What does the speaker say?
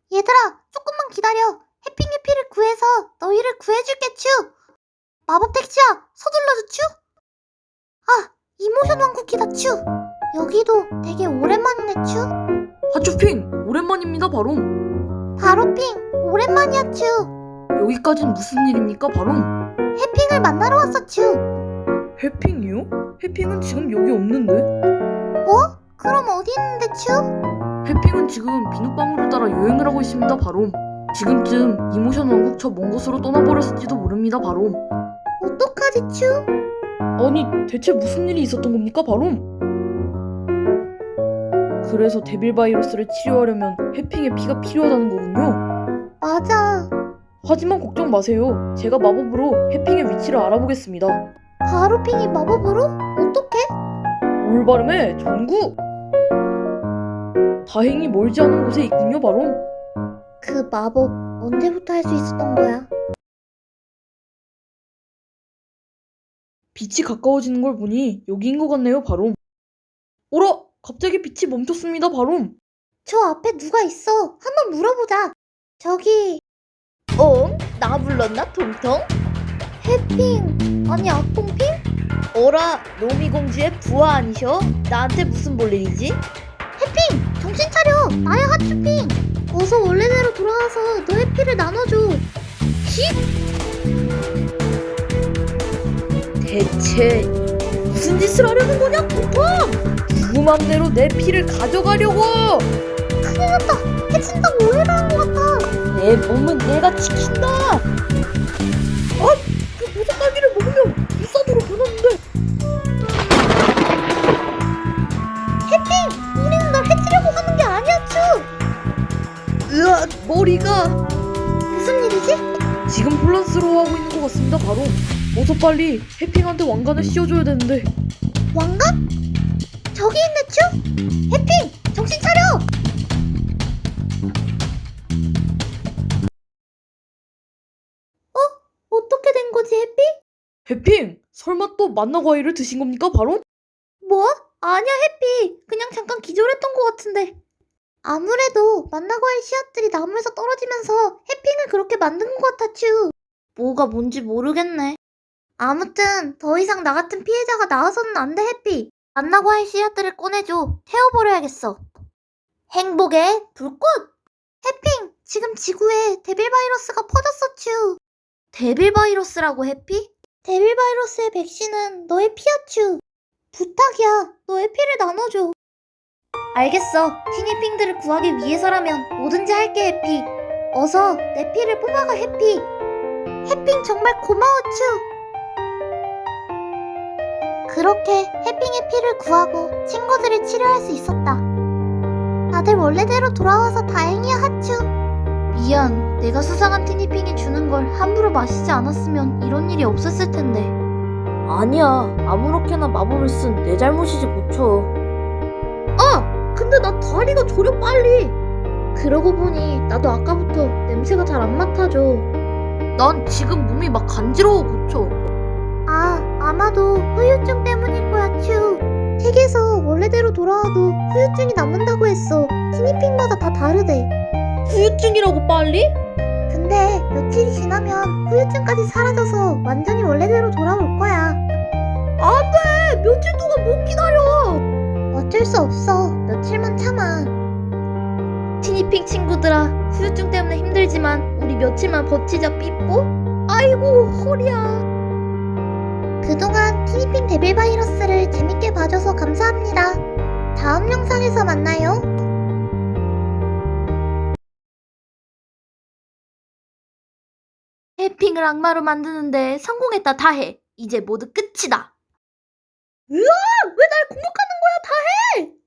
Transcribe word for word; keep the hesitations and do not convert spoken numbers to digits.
얘들아, 조금만 기다려. 해핑의 피를 구해서 너희를 구해줄게, 츄. 마법 택시야, 서둘러줘, 츄. 아, 이모션 왕국이다, 츄. 여기도 되게 오랜만이네, 츄. 하츄핑, 오랜만입니다, 바롬. 바로핑, 오랜만이야, 츄. 여기까진 무슨 일입니까, 바롬? 해핑을 만나러 왔어, 츄. 해핑이요? 해핑은 지금 여기 없는데? 뭐? 그럼 어디 있는데, 츄? 해핑은 지금 비눗방울을 따라 여행을 하고 있습니다, 바롬. 지금쯤 이모션 왕국 저 먼 곳으로 떠나버렸을지도 모릅니다, 바롬. 어떡하지, 츄? 아니, 대체 무슨 일이 있었던 겁니까, 바롬? 그래서 데빌 바이러스를 치료하려면 해핑의 피가 필요하다는 거군요. 맞아. 하지만 걱정 마세요. 제가 마법으로 해핑의 위치를 알아보겠습니다. 바로핑이 마법으로? 어떡해? 올바름의 전구! 다행히 멀지 않은 곳에 있군요, 바롬. 그 마법 언제부터 할 수 있었던 거야? 빛이 가까워지는 걸 보니 여기인 것 같네요, 바롬. 오라! 갑자기 빛이 멈췄습니다, 바롬. 저 앞에 누가 있어? 한번 물어보자. 저기 어? 나 불렀나 통통? 해핑 아니 악동핑? 어라 노미공주의 부하 아니셔? 나한테 무슨 볼 일이지? 해핑 정신 차려. 나야 하츄핑. 어서 원래대로 돌아와서 너의 피를 나눠줘. 대체 무슨 짓을 하려는 거냐 통통? 그 맘대로 내 피를 가져가려고! 큰일 났다. 해친다고 오해를 한 것 같아. 내 몸은 내가 지킨다! 아! 그 보석 딸기를 먹으면 불산으로 변하는데! 해핑 우리는 널 해치려고 하는 게 아니야, 츄. 으악 머리가! 무슨 일이지? 지금 혼란스러워하고 있는 것 같습니다, 바롬. 어서 빨리 해핑한테 왕관을 씌워줘야 되는데. 왕관? 저기 있네, 츄. 해핑 정신 차려. 어? 어떻게 된 거지, 해핑? 해핑! 설마 또 만나 과일을 드신 겁니까, 바롬? 뭐? 아니야, 해피. 그냥 잠깐 기절했던 것 같은데. 아무래도 만나과의 씨앗들이 나무에서 떨어지면서 해핑을 그렇게 만든 것 같아, 츄. 뭐가 뭔지 모르겠네. 아무튼 더 이상 나 같은 피해자가 나와서는 안 돼, 해피. 만나과의 씨앗들을 꺼내줘. 태워버려야겠어. 행복의 불꽃! 해핑, 지금 지구에 데빌 바이러스가 퍼졌어, 츄. 데빌 바이러스라고, 해피? 데빌 바이러스의 백신은 너의 피야, 츄. 부탁이야. 너의 피를 나눠줘. 알겠어. 티니핑들을 구하기 위해서라면 뭐든지 할게, 해피. 어서 내 피를 뽑아가, 해피. 해핑 정말 고마워, 츄. 그렇게 해핑의 피를 구하고 친구들을 치료할 수 있었다. 다들 원래대로 돌아와서 다행이야, 하츄. 미안. 내가 수상한 티니핑이 주는 걸 함부로 마시지 않았으면 이런 일이 없었을 텐데. 아니야 아무렇게나 마법을 쓴 내 잘못이지 고쳐. 아! 근데 나 다리가 저려 빨리. 그러고 보니 나도 아까부터 냄새가 잘 안 맡아져. 난 지금 몸이 막 간지러워, 고쳐. 아, 아마도 후유증 때문일 거야, 츄. 책에서 원래대로 돌아와도 후유증이 남는다고 했어. 티니핑마다 다 다르대. 후유증이라고 빨리? 근데 며칠이 지나면 후유증까지 사라져서 완전히 원래대로 돌아올 거야. 안 돼! 며칠 동안 못 기다려! 어쩔 수 없어. 며칠만 참아. 티니핑 친구들아, 후유증 때문에 힘들지만 우리 며칠만 버티자, 삐뽀? 아이고, 허리야. 그동안 티니핑 데빌 바이러스를 재밌게 봐줘서 감사합니다. 다음 영상에서 만나요. 해핑을 악마로 만드는데 성공했다, 다해. 이제 모두 끝이다. 으아! 왜 날 공격하는 거야, 다해!